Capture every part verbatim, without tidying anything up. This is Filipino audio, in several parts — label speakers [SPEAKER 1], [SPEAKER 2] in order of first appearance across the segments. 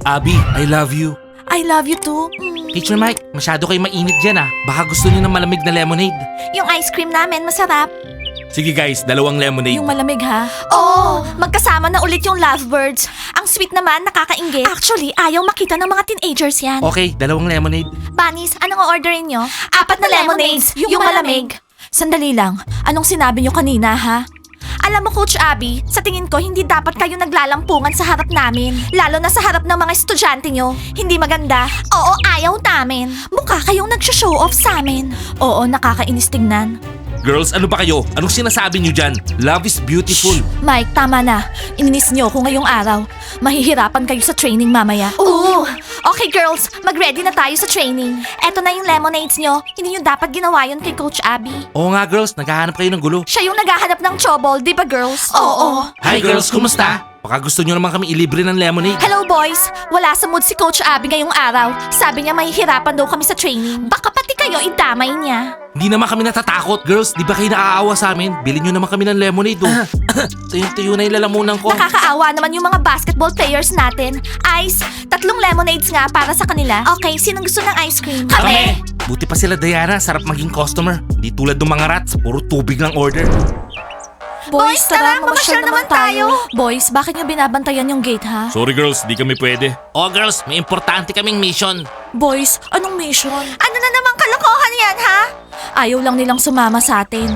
[SPEAKER 1] Abby, I love you.
[SPEAKER 2] I love you too. Mm.
[SPEAKER 1] Teacher Mike, masyado kayo mainit dyan ah. Baka gusto niyo ng malamig na lemonade.
[SPEAKER 2] Yung ice cream namin masarap.
[SPEAKER 1] Sige guys, dalawang lemonade.
[SPEAKER 2] Yung malamig ha? Oo, magkasama na ulit yung lovebirds. Ang sweet naman, nakakainggit. Actually, ayaw makita ng mga teenagers yan.
[SPEAKER 1] Okay, dalawang lemonade.
[SPEAKER 2] Bunnies, anong orderin nyo? Apat na lemonades, yung, malamig. Sandali lang, anong sinabi nyo kanina ha? Alam mo Coach Abby, sa tingin ko hindi dapat kayo naglalampungan sa harap namin. Lalo na sa harap ng mga estudyante nyo. Hindi maganda. Oo, ayaw namin. Mukha kayong nagsho-show off sa amin. Oo, nakakainis tingnan.
[SPEAKER 1] Girls, ano ba kayo? Anong sinasabi niyo dyan? Love is beautiful.
[SPEAKER 2] Mike, tama na. Ininis nyo ako ngayong araw. Mahihirapan kayo sa training mamaya. Oo! Okay girls, mag-ready na tayo sa training. Eto na yung lemonades nyo. Hindi nyo dapat ginawa yun kay Coach Abby.
[SPEAKER 1] Oo nga girls, naghahanap kayo ng gulo.
[SPEAKER 2] Siya yung naghahanap ng trouble, di ba girls? Oo.
[SPEAKER 1] Hi girls, kumusta? Baka gusto niyo naman kami ilibre ng lemonade.
[SPEAKER 2] Hello boys! Wala sa mood si Coach Abby ngayong araw. Sabi niya mahihirapan daw kami sa training. Baka pati kayo idamay niya.
[SPEAKER 1] Hindi naman kami natatakot. Girls, di ba kayo naaawa sa amin? Bilhin niyo naman kami ng lemonade oh. Tuyong-tuyo na yung lalamunan ko.
[SPEAKER 2] Nakakaawa naman yung mga basketball players natin. Ice, tatlong lemonades nga para sa kanila. Okay, sinong gusto ng ice cream? Kami!
[SPEAKER 1] Buti pa sila Diana, sarap maging customer. Di tulad ng mga rats, puro tubig lang order.
[SPEAKER 2] Boys, tara, mamasyal naman tayo. Boys, bakit nyo binabantayan yung gate ha?
[SPEAKER 1] Sorry girls, di kami pwede. Oh girls, may importante kaming mission.
[SPEAKER 2] Boys, anong mission? Ano na namang kalokohan yan ha? Ayaw lang nilang sumama sa atin.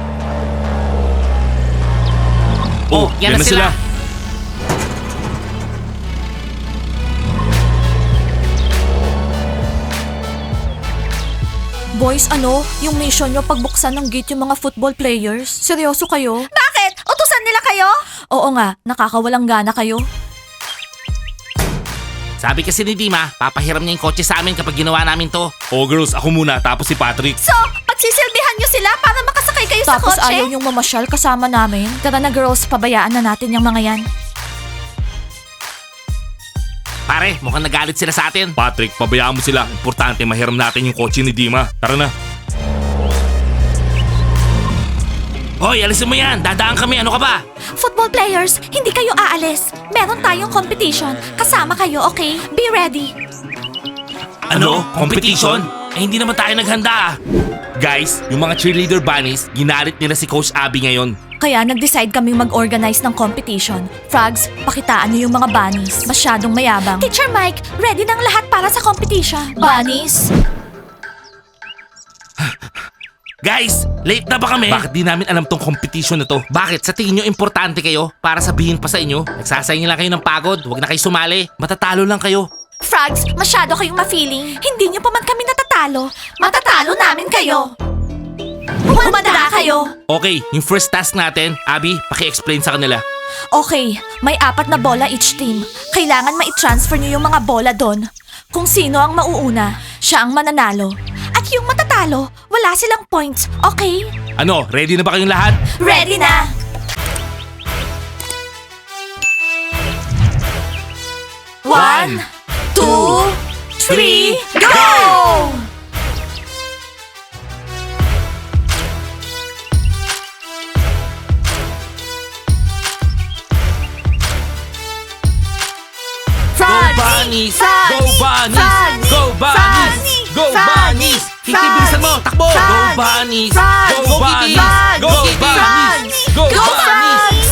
[SPEAKER 1] Oh, yan, na sila.
[SPEAKER 2] Boys, ano? Yung mission nyo pagbuksan ng gate yung mga football players? Seryoso kayo? Bakit? Utusan nila kayo? Oo nga, nakakawalang gana kayo.
[SPEAKER 1] Sabi kasi ni Dima, papahiram niya yung kotse sa amin kapag ginawa namin to. Oh girls, ako muna, tapos si Patrick.
[SPEAKER 2] So, pagsisilbihan nyo sila para makasakay kayo sa kotse? Tapos ayaw yung mamasyal kasama namin? Tara na girls, pabayaan na natin yung mga yan.
[SPEAKER 1] Pare, mukhang nagalit sila sa atin. Patrick, pabayaan mo sila. Importante mahiram natin yung kotse ni Dima. Tara na. Hoy, alisin mo yan. Dadaan kami. Ano ka ba?
[SPEAKER 2] Football players, hindi kayo aalis. Meron tayong competition. Kasama kayo, okay? Be ready.
[SPEAKER 1] Ano? Competition? Eh, hindi naman tayo naghanda ah. Guys, yung mga cheerleader bunnies, ginalit nila si Coach Abby ngayon.
[SPEAKER 2] Kaya nag-decide kaming mag-organize ng competition. Frogs, pakitaan niyo yung mga bunnies. Masyadong mayabang. Teacher Mike, ready ng lahat para sa competition. Bunnies?
[SPEAKER 1] Guys, late na ba kami? Bakit di namin alam tong competition na to? Bakit? Sa tingin nyo importante kayo? Para sabihin pa sa inyo? Nagsasayang lang kayo ng pagod. Huwag na kayo sumali. Matatalo lang kayo.
[SPEAKER 2] Frogs, masyado kayong ma-feeling. Hindi niyo pa man kami natatalo. Matatalo namin kayo. Humanda kayo.
[SPEAKER 1] Okay, yung first task natin, Abby, paki-explain sa kanila.
[SPEAKER 2] Okay, may apat na bola each team. Kailangan ma-transfer niyo yung mga bola doon. Kung sino ang mauuna, siya ang mananalo. At yung matatalo, wala silang points, okay?
[SPEAKER 1] Ano, ready na ba kayong lahat?
[SPEAKER 2] Ready na! One, two, three, go!
[SPEAKER 1] Go bunnies! Go bunnies! Go bunnies! Go bunnies! Kitty, bilisan mo! Takbo! Go bunnies! Go bunnies! Go bunnies! Go bunnies!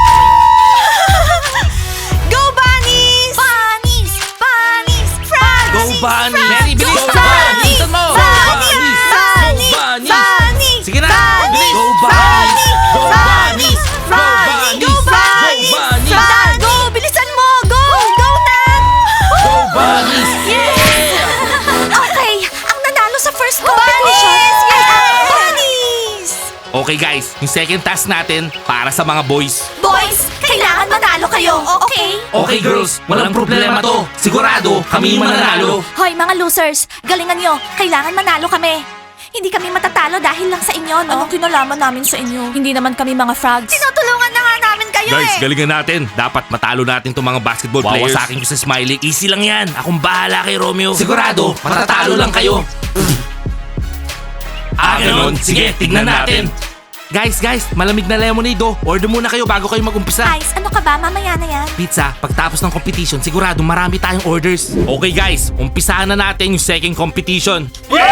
[SPEAKER 2] Go bunnies! Bunnies! Bunnies! Frogs!
[SPEAKER 1] Go bunnies! Mary, bilis!
[SPEAKER 2] Go
[SPEAKER 1] Go bunnies! Bilisan mo! Go bunnies! Go bunnies! Sige na! Bilis! Go bunnies! Go bunnies! Go bunnies! Go bunnies!
[SPEAKER 2] Go! Bilisan mo! Go! Go na!
[SPEAKER 1] Go bunnies!
[SPEAKER 2] Okay, ang nanalo sa first competition ay ang bunnies!
[SPEAKER 1] Okay guys, yung second task natin para sa mga boys.
[SPEAKER 2] Boys, kailangan manalo kayo, okay?
[SPEAKER 1] Okay girls, walang problema to. Sigurado, kami yung mananalo.
[SPEAKER 2] Hoy mga losers, galingan nyo. Kailangan manalo kami. Hindi kami matatalo dahil lang sa inyo, no? Anong kinalaman namin sa inyo? Hindi naman kami mga frogs. Tinutulungan na nga namin kayo
[SPEAKER 1] Guys, galingan natin. Dapat matalo natin tong mga basketball players. Wawasakin ko sa Smiley. Easy lang yan. Akong bahala kay Romeo. Sigurado, matatalo lang kayo. Ah, ganun? Sige, tignan natin. Guys, guys, malamig na lemonade oh. Order muna kayo bago kayo mag-umpisa.
[SPEAKER 2] Ice, ano ka ba? Mamaya na yan.
[SPEAKER 1] Pizza, pagtapos ng competition, sigurado marami tayong orders. Okay guys, umpisahan na natin yung second competition.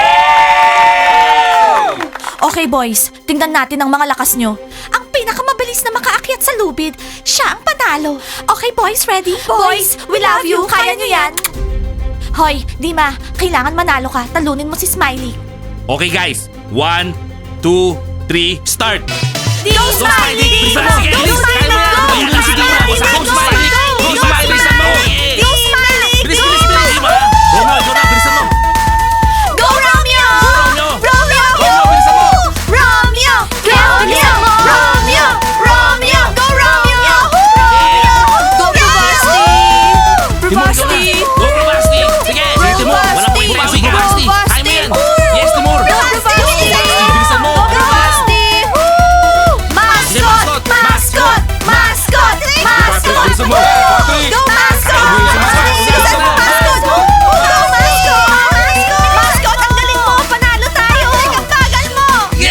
[SPEAKER 2] Okay boys, tingnan natin ang mga lakas nyo. Ang pinakamabilis na makaakyat sa lubid, siya ang panalo. Okay boys, ready? Boys, we love you. Kaya nyo yan. Hoy, Dima, kailangan manalo ka. Talunin mo si Smiley.
[SPEAKER 1] Okay guys, one, two, three, start!
[SPEAKER 2] Go
[SPEAKER 1] Smiley! Bilisan mo! Sige,
[SPEAKER 2] Go
[SPEAKER 1] bilis!
[SPEAKER 2] Smiley!
[SPEAKER 1] Kaya mo yan!
[SPEAKER 2] Go!
[SPEAKER 1] Bilisan
[SPEAKER 2] Go
[SPEAKER 1] mo!
[SPEAKER 2] Smiley!
[SPEAKER 1] Go
[SPEAKER 2] Go
[SPEAKER 1] Smiley!
[SPEAKER 2] Smiley!
[SPEAKER 1] Go Smiley! Bilisan mo!
[SPEAKER 2] Go Smiley!
[SPEAKER 1] Bilis,
[SPEAKER 2] Go
[SPEAKER 1] bilis, bilis!
[SPEAKER 2] Smiley!
[SPEAKER 1] Go na, go na! Bilisan mo!
[SPEAKER 2] Go Romeo!
[SPEAKER 1] Romeo!
[SPEAKER 2] Romeo!
[SPEAKER 1] Romeo, bilisan mo!
[SPEAKER 2] Romeo! Romeo! Romeo! Romeo! Go Romeo! Romeo! Go Bravasti!
[SPEAKER 1] Timur, go na! Go Bravasti! Sige, sige Timur! Walang pwede bawi ka, Bravasti! Kaya mo yan! Yes, Timur! Bilisan mo!
[SPEAKER 2] Bravasti!
[SPEAKER 1] Sige,
[SPEAKER 2] Mascot!
[SPEAKER 1] mascot!
[SPEAKER 2] Mascot! Mascot! Mascot!
[SPEAKER 1] Bilisan mo! Patrick!
[SPEAKER 2] Go Mascot!
[SPEAKER 1] Bilisan mo!
[SPEAKER 2] Bilisan mo, Mascot! Go Mascot! Mascot, ang galing mo! Panalo tayo! Ang bagal mo!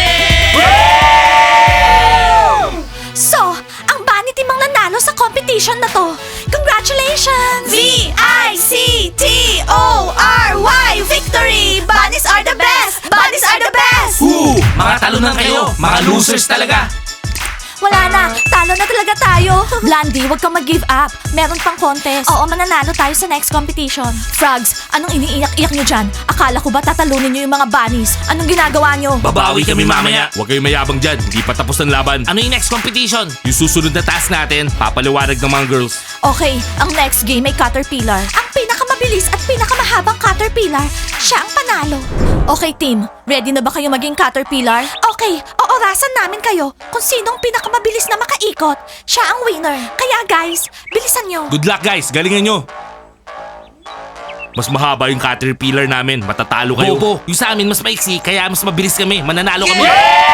[SPEAKER 2] So, ang bunny team ang nanalo sa competition na to. Congratulations! V I C T O R Y Victory! Bunnies are the best! Bunnies are the best!
[SPEAKER 1] Woo! Mga talunan kayo! Mga losers talaga!
[SPEAKER 2] Wala na! Talo na talaga tayo! Blandy, huwag kang mag-give up. Meron pang contest. Oo, mananalo tayo sa next competition. Frogs, anong iniiyak-iyak nyo dyan? Akala ko ba tatalunin nyo yung mga bunnies? Anong ginagawa nyo?
[SPEAKER 1] Babawi kami mamaya. Huwag kayong mayabang dyan. Hindi pa tapos ang laban. Ano yung next competition? Yung susunod na task natin, papaliwanag ng mga girls.
[SPEAKER 2] Okay, ang next game ay Caterpillar. Ang pinakamabilis at pinakamahabang Caterpillar, siya ang panalo. Okay team, ready na ba kayo maging Caterpillar? Okay, oorasan namin kayo kung sinong pinakamabilis na makaikot. Siya ang winner. Kaya guys, bilisan nyo.
[SPEAKER 1] Good luck guys, galingan nyo. Mas mahaba yung caterpillar namin, matatalo kayo. Bobo, yung sa amin mas maiksi, kaya mas mabilis kami, mananalo kami.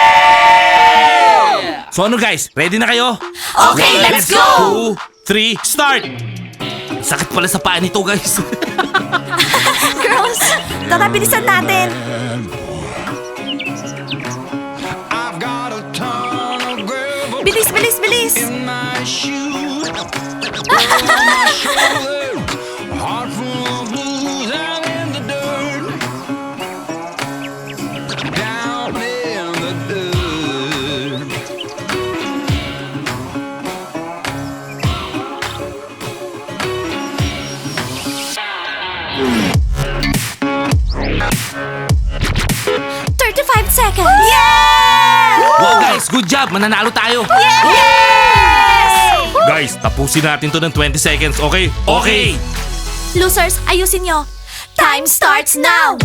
[SPEAKER 1] So ano guys, ready na kayo?
[SPEAKER 2] Okay, let's go!
[SPEAKER 1] Two, three, start! Sakit pala sa paa nito guys.
[SPEAKER 2] Girls, tara bilisan natin.
[SPEAKER 3] I've got a ton of gravel
[SPEAKER 2] Bilis, bilis, bilis.
[SPEAKER 3] in my shoes. On my shoulders, heart full of blues and in the dirt. Down in the dirt.
[SPEAKER 2] thirty-five seconds. Yeah!
[SPEAKER 1] Wow guys, good job, mananalo tayo.
[SPEAKER 2] Yes!
[SPEAKER 1] Guys, tapusin natin to ng twenty seconds, okay? Okay!
[SPEAKER 2] Losers, ayusin nyo. Time starts now!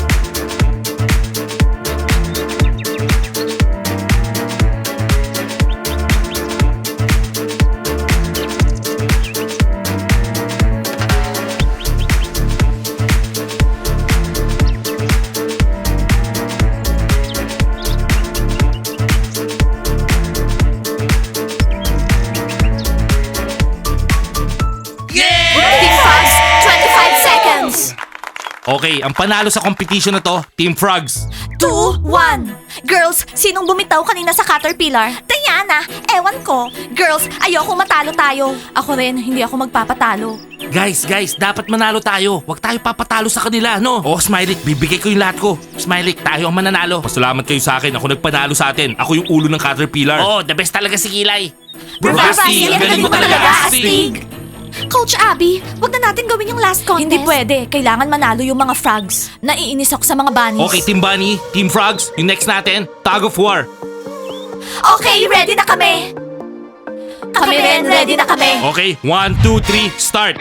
[SPEAKER 2] Team Frogs, twenty-five seconds.
[SPEAKER 1] Okay, ang panalo sa competition na to, Team Frogs.
[SPEAKER 2] two, one. Girls, sinong bumitaw kanina sa Caterpillar? Diana, ewan ko. Girls, ayoko matalo tayo. Ako rin, hindi ako magpapatalo.
[SPEAKER 1] Guys, guys, dapat manalo tayo. Huwag tayo papatalo sa kanila, no? Oh, Smiley, bibigay ko yung lahat ko. Smiley, tayo ang mananalo. Pasalamat kayo sa akin. Ako nagpanalo sa atin. Ako yung ulo ng Caterpillar. Oh, the best talaga si Kilay.
[SPEAKER 2] Bravasti,
[SPEAKER 1] ang galing mo talaga, Astig.
[SPEAKER 2] Coach Abby, wag na natin gawin yung last contest. Hindi pwede. Kailangan manalo yung mga frogs. Naiinis ako sa mga bunnies.
[SPEAKER 1] Okay, Team Bunny, Team Frogs, yung next natin, Tug of War.
[SPEAKER 2] Okay, ready na kami. Kami rin, ready na kami.
[SPEAKER 1] Okay, one, two, three, start.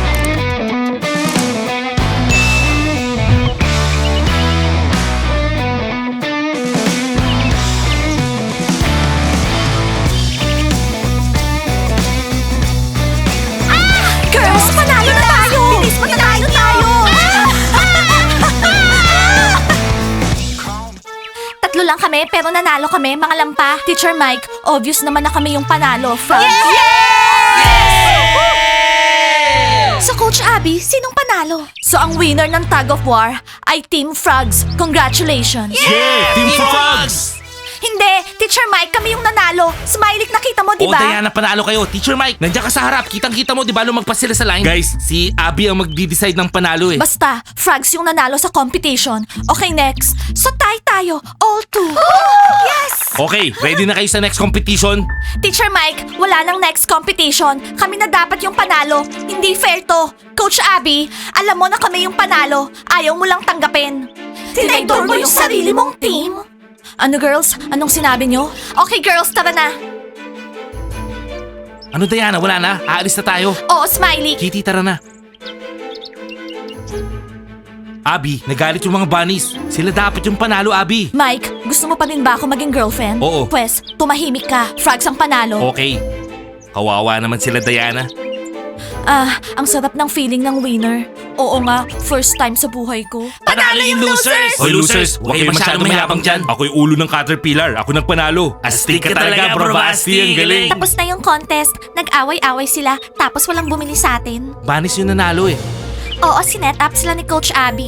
[SPEAKER 2] Girls, panalo na tayo! Bilis, panalo tayo! Tatlo lang kami, pero nanalo kami, mga lampa. Teacher Mike, obvious naman na kami yung panalo. Frogs. So Coach Abby, sinong panalo? So ang winner ng Tug of War ay Team Frogs. Congratulations!
[SPEAKER 1] Yeah, Team Frogs!
[SPEAKER 2] Hindi, Teacher Mike, kami yung nanalo. Smiley, nakita mo, di
[SPEAKER 1] O
[SPEAKER 2] ba?
[SPEAKER 1] Diana, panalo kayo. Teacher Mike, nandiyan ka sa harap. Kitang-kita mo, di ba lumagpas sila sa line? Guys, si Abby ang magdi-decide ng panalo eh.
[SPEAKER 2] Basta, Frogs yung nanalo sa competition. Okay, next. So tie tayo, all two. Yes!
[SPEAKER 1] Okay, ready na kayo sa next competition?
[SPEAKER 2] Teacher Mike, wala nang next competition. Kami na dapat yung panalo. Hindi fair to. Coach Abby, alam mo na kami yung panalo. Ayaw mo lang tanggapin. Tinidor mo yung sarili mong team. Ano girls? Anong sinabi nyo? Okay girls, tara na.
[SPEAKER 1] Ano Diana, wala na? Aalis na tayo.
[SPEAKER 2] Oo, Smiley.
[SPEAKER 1] Kitty, tara na. Abby, nagalit yung mga bunnies. Sila dapat yung panalo, Abby.
[SPEAKER 2] Mike, gusto mo pa rin ba ako maging girlfriend?
[SPEAKER 1] Oo.
[SPEAKER 2] Pwes, tumahimik ka. Frogs ang panalo.
[SPEAKER 1] Okay. Kawawa naman sila, Diana.
[SPEAKER 2] Ah, ang sarap ng feeling ng winner. Oo nga, first time sa buhay ko.
[SPEAKER 1] Panalo yung losers! Hoy losers, huwag kayo masyadong mayabang dyan. Ako yung ulo ng Caterpillar. Ako nagpanalo. Astig ka talaga, bro Basti. Ang galing.
[SPEAKER 2] Tapos na yung contest, nag-away-away sila, tapos walang bumili sa atin.
[SPEAKER 1] Bunnies yung nanalo eh.
[SPEAKER 2] Oo, sinet up sila ni Coach Abby.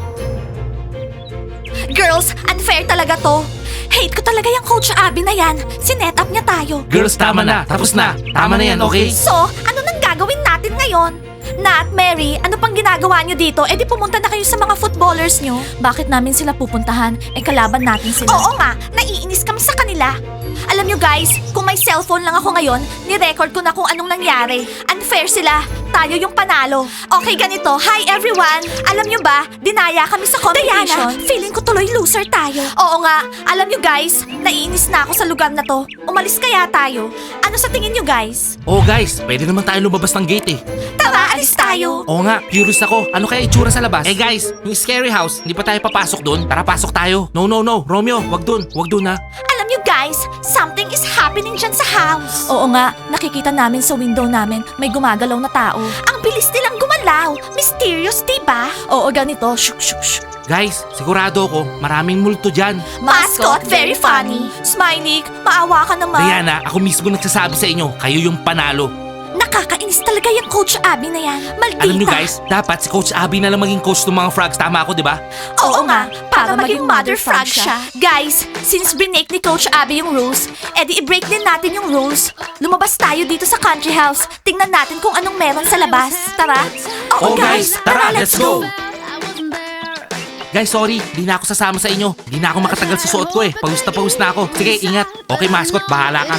[SPEAKER 2] Girls, unfair talaga to. Hate ko talaga yung Coach Abby na yan. Sinet up niya tayo.
[SPEAKER 1] Girls, tama na. Tapos na. Tama na yan, okay?
[SPEAKER 2] So, ano nang gagawin natin ngayon? Nat, Mary, ano pang ginagawa nyo dito? Eh di pumunta na kayo sa mga footballers nyo. Bakit namin sila pupuntahan? Eh kalaban natin sila. Oo nga, naiinis kami sa kanila. Alam nyo guys, kung may cellphone lang ako ngayon, ni-record ko na kung anong nangyari. Unfair sila. Tayo yung panalo. Okay, ganito. Hi everyone! Alam nyo ba, dinaya kami sa competition. Diana, feeling ko tuloy loser tayo. Oo nga. Alam nyo guys, naiinis na ako sa lugar na to. Umalis kaya tayo. Ano sa tingin nyo guys?
[SPEAKER 1] Oh guys, pwede naman tayo lumabas ng gate eh.
[SPEAKER 2] Tara, alis tayo.
[SPEAKER 1] Oo nga, curious ako. Ano kaya itsura sa labas? Eh guys, yung scary house, hindi pa tayo papasok doon. Tara, pasok tayo. No, no, no. Romeo, wag doon. Wag doon ha.
[SPEAKER 2] Alam nyo guys, something is happening dyan sa house. Oo nga, nakikita namin sa window namin may gumagalaw na tao. Ang bilis nilang gumalaw. Mysterious, diba? Oo, ganito. Shuk, shuk, shuk.
[SPEAKER 1] Guys, sigurado ako, maraming multo dyan.
[SPEAKER 2] Mascot, very funny. Smiley, maawa ka naman.
[SPEAKER 1] Diana, ako mismo nagsasabi sa inyo, kayo yung panalo.
[SPEAKER 2] Nakakainis talaga yung Coach Abby na yan. Maldita.
[SPEAKER 1] Alam nyo guys, dapat si Coach Abby na lang maging coach ng mga frogs. Tama ako, di ba?
[SPEAKER 2] Oo nga, para, maging mother frog siya. Guys, since binake ni Coach Abby yung rules, edi i-break din natin yung rules. Lumabas tayo dito sa country house. Tingnan natin kung anong meron sa labas. Tara.
[SPEAKER 1] Oh, guys, tara, let's go. Guys, sorry, di na ako sasama sa inyo. Di na ako makatagal sa suot ko eh. Pawis na pawis na ako. Sige, ingat. Okay, mascot, bahala ka.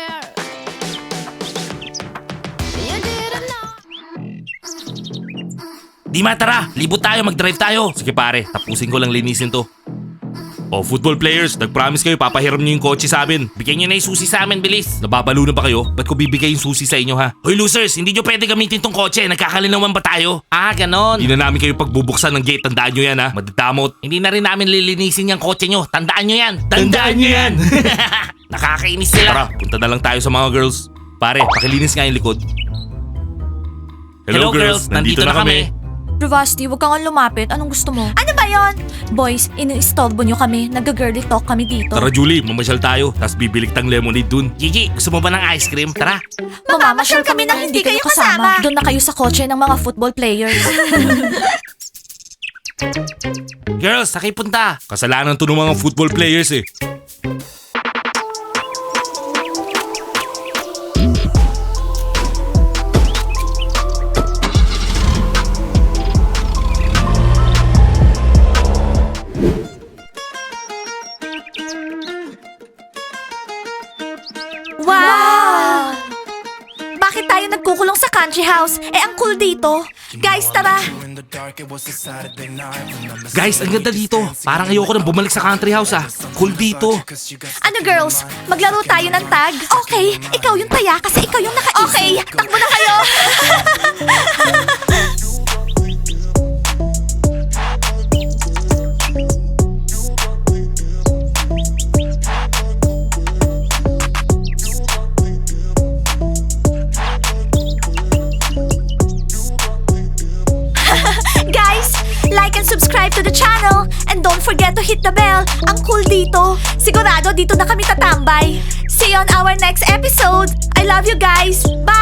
[SPEAKER 1] Dima, tara! Libot tayo, mag-drive tayo! Sige pare, tapusin ko lang linisin to. Oh, football players, nag-promise kayo, papahiram niyo yung kotse sa amin. Bigyan niyo na yung susi sa amin, bilis. Nababalo na ba kayo? Ba't ko bibigay yung susi sa inyo, ha? Hoy losers, hindi nyo pwede gamitin tong kotse. Nagkakalinawan ba tayo? Ah, ganon. Hindi na namin kayo pagbubuksan ng gate. Tandaan nyo yan, ha? Madadamot. Hindi na rin namin lilinisin yung kotse nyo. Tandaan nyo yan. Tandaan nyo yan. Nakakainis sila. Tara, punta na lang tayo sa mga girls. Pare, pakilinis nga yung likod. Hello, girls, nandito, na kami.
[SPEAKER 2] Bravasti, huwag kang lumapit. Anong gusto mo? Ano ba yon? Boys, ini-istorbo nyo kami. Nag-girly talk kami dito.
[SPEAKER 1] Tara Julie, mamasyal tayo. Tapos bibilik tang lemonade dun. Gigi, gusto mo ba ng ice cream? Tara.
[SPEAKER 2] Mamamasyal kami nang hindi kayo kasama. Doon na kayo sa kotse ng mga football players.
[SPEAKER 1] Girls, sakay punta. Kasalanan to ng mga football players eh.
[SPEAKER 2] Wow! Bakit tayo nagkukulong sa country house? Eh, ang cool dito. Guys, tara.
[SPEAKER 1] Guys, ang ganda dito. Parang ayoko nang bumalik sa country house ah. Cool dito.
[SPEAKER 2] Ano girls, maglaro tayo ng tag? Okay, ikaw yung taya kasi ikaw yung nakaisip. Okay, takbo na kayo. Guys, like and subscribe to the channel. And don't forget to hit the bell. Ang cool dito. Sigurado dito na kami tatambay. See you on our next episode. I love you guys. Bye!